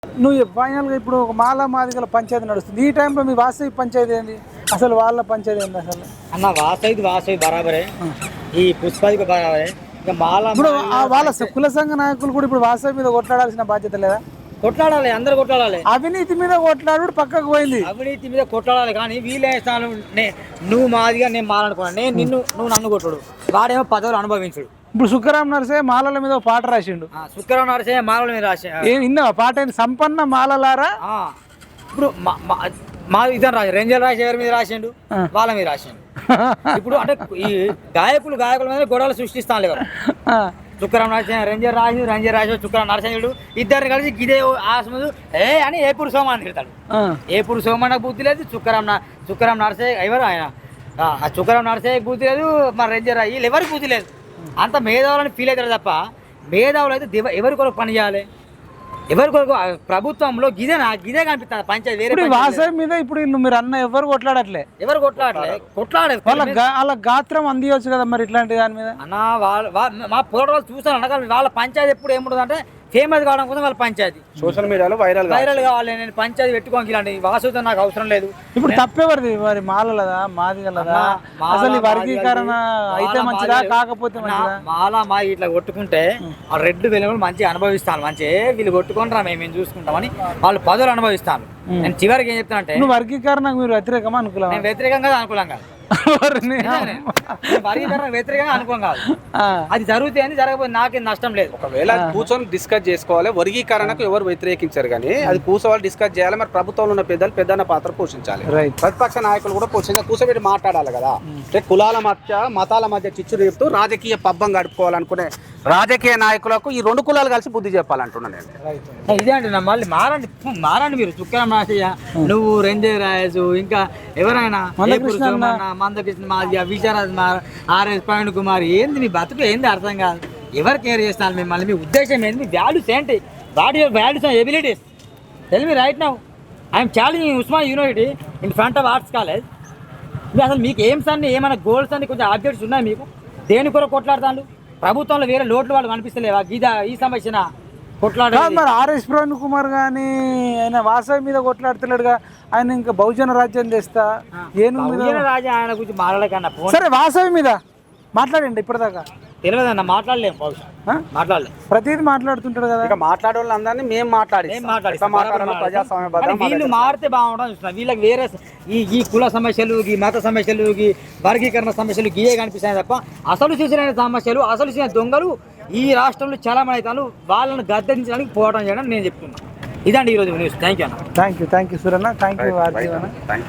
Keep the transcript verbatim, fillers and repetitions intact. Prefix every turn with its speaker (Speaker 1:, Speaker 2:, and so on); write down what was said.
Speaker 1: నువ్వు ఫైనల్గా ఇప్పుడు ఒక మాలా మాదిగల పంచాయతీ నడుస్తుంది. ఈ టైంలో మీ వాస్తవిక పంచాయతీ ఏంది, అసలు వాళ్ళ పంచాయతీ ఏంది అసలు?
Speaker 2: అన్న వాసవి వాసవి బరాబరే, ఈ పుష్పాదికి బరాబరే. ఇక మాల
Speaker 1: ఇప్పుడు ఆ వాళ్ళ కుల సంఘ నాయకులు కూడా ఇప్పుడు వాస్తవి మీద కొట్లాడాల్సిన బాధ్యత లేదా?
Speaker 2: కొట్లాడాలి, అందరు కొట్లాడాలి.
Speaker 1: అవినీతి మీద కొట్లాడు పక్కకు పోయింది,
Speaker 2: అవినీతి మీద కొట్లాడాలి. కానీ వీళ్ళే స్థానం నువ్వు మాదిగా నేను మాలనుకున్నాను, నేను నిన్ను నువ్వు నన్ను కొట్టుడు, వాడేమో పదవులు అనుభవించుడు.
Speaker 1: ఇప్పుడు సుఖరాం నరసే మాలల మీద ఒక పాట రాసిండు.
Speaker 2: శుక్రవారం నడిచే మాలల మీద రాసే
Speaker 1: ఏం విన్నావా పాట? ఏంది? సంపన్న మాలలారా.
Speaker 2: ఇప్పుడు మా ఇద్దరు రాసి రేంజర్ రాసి ఎవరి మీద రాసిండు, వాళ్ళ మీద రాసిండు. ఇప్పుడు అంటే ఈ గాయకులు గాయకుల మీద గొడవలు సృష్టిస్తాను లేవు. శుక్రవారం నరసింహ రేంజర్ రాసి రేంజర్ రాసి శుక్రవారం నరసింహుడు ఇద్దరిని కలిసి ఇదే ఆసముదు ఏ అని ఏపూరు సోమాన్ని తిడతాడు. ఏపూరు సోమానికి బుద్ధి లేదు, శుక్రవారం శుక్రవారం నరసే ఎవరు ఆయన శుక్రవారం నరసే బుద్ధి లేదు, మరి రేంజర్ వీళ్ళు ఎవరికి బుద్ధి లేదు. అంత మేధావులని ఫీల్ అవుతారు తప్ప మేధావులు అయితే ఎవరి కొరకు పని చేయాలి, ఎవరి కొరకు ప్రభుత్వంలో గిదే నా గిదే కనిపిస్తుంది పంచాయతీ. వేరే
Speaker 1: వాసవి మీద ఇప్పుడు మీరు అన్న ఎవరు కొట్లాడట్లే,
Speaker 2: ఎవరు కొట్లాడలే కొట్లాడే
Speaker 1: వాళ్ళ వాళ్ళ గాత్రం అందియవచ్చు కదా మరి ఇట్లాంటి దాని మీద.
Speaker 2: అన్న వాళ్ళ మా పోరాటాలు చూసాను అనగా వాళ్ళ పంచాయతీ ఎప్పుడు ఏముంటుంది అంటే ఫేమస్ కావడం కోసం వాళ్ళ పంచాయతీ
Speaker 3: సోషల్ మీడియాలో వైరల్
Speaker 2: వైరల్ కావాలి. నేను పంచాయతీ పెట్టుకోకి ఇలాంటి వాసుతో నాకు అవసరం లేదు.
Speaker 1: ఇప్పుడు తప్పేవరిది మరి మాలలదా మాదిగలదా? అసలు ఈ వర్గీకరణ అయితే మంచిదా కాకపోతే మంచిదా?
Speaker 2: మాలా మా ఇట్లా కొట్టుకుంటే ఆ రెడ్ వెలుగులు మంచిగా అనుభవిస్తాను, మంచిగా వీళ్ళు కొట్టుకుంటారా మేము మేము చూసుకుంటామని వాళ్ళు పదవులు అనుభవిస్తాను. నేను చివరికి ఏం చెప్తానంటే
Speaker 1: నువ్వు వర్గీకరణ మీరు వ్యతిరేకమా అనుకూలం?
Speaker 2: నేను వ్యతిరేకంగా అనుకూలంగా వర్గీకరణ వ్యతిరేకంగా అనుకోం కాదు, అది జరుగుతే అని జరగకపోతే నాకేం నష్టం లేదు.
Speaker 3: ఒకవేళ కూర్చొని డిస్కస్ చేసుకోవాలి. వర్గీకరణకు ఎవరు వ్యతిరేకించారు కానీ అది కూర్చోవాలి, డిస్కస్ చేయాలి. మరి ప్రభుత్వంలో ఉన్న పెద్దలు పెద్దన్న పాత్ర పోషించాలి, ప్రతిపక్ష నాయకులు కూడా పోషించాలి, కూర్చోబెట్టి మాట్లాడాలి కదా. అంటే కులాల మధ్య మతాల మధ్య చిచ్చు రేపుతూ రాజకీయ పబ్బం గడుపుకోవాలనుకునే రాజకీయ నాయకులకు ఈ రెండు కులాలు కలిసి బుద్ధి చెప్పాలంటున్నాను నేను.
Speaker 2: ఇదే అండి నా మళ్ళీ మారండి మారండి మీరు చుక్కరం రాసయ్య, నువ్వు రంజయ్ రాజు, ఇంకా ఎవరైనా మందకృష్ణ మాదిగా విజయరాజ్ ఆర్ఎస్ ప్రవీణ్ కుమార్, ఏంది మీ బతుకు ఏంది అర్థం కాదు. ఎవరు కేర్ చేస్తున్నారు మిమ్మల్ని? మీ ఉద్దేశం ఏంది? మీ వాల్యూస్ ఏంటి? What your values and abilities? Tell me right now. I'm challenging Osmania university in front of arts college. మీరు అసలు మీకు ఎయిమ్స్ అన్ని ఏమైనా గోల్స్ అన్ని కొంచెం ఆబ్జెక్ట్స్ ఉన్నాయి మీకు? దేని కొరకు కొట్లాడతాను? ప్రభుత్వంలో వేరే లోట్లు వాళ్ళు కనిపిస్తలేవా? గీదా ఈ సమస్యన కొట్లాడ
Speaker 1: ఆర్ఎస్ ప్రవీణ్ కుమార్ కానీ ఆయన వాసవి మీద కొట్లాడుతున్నాడుగా, ఆయన ఇంకా బహుజన రాజ్యం తెస్తా ఏను
Speaker 2: రాజ్యం ఆయన గురించి మాట్లాడకన్నా.
Speaker 1: సరే వాసవి మీద మాట్లాడండి, ఇప్పటిదాకా
Speaker 2: తెలియదన్న మాట్లాడలేము, బహుశా మాట్లాడలేము.
Speaker 1: ప్రతిదీ మాట్లాడుతుంటాడు కదా.
Speaker 3: ఇక మాట్లాడే వాళ్ళందరినీ మేము మాట్లాడి
Speaker 2: వీళ్ళు మారితే బాగుంటుంది చూస్తున్నా. వీళ్ళకి వేరే ఈ ఈ కుల సమస్యలు, ఈ మత సమస్యలు, ఈ వర్గీకరణ సమస్యలు గీయే కనిపిస్తాయి తప్ప అసలు చూసిన సమస్యలు, అసలు చూసిన దొంగలు ఈ రాష్ట్రంలో చాలా మంది అవుతారు. వాళ్ళని గద్దెంచడానికి పోవడం చేయడం నేను చెప్తున్నాను. ఇదండి ఈరోజు న్యూస్. థ్యాంక్ యూ అన్న.
Speaker 1: థ్యాంక్ యూ థ్యాంక్ యూ సురన్న, థ్యాంక్ యూ ఆర్జీవన్న.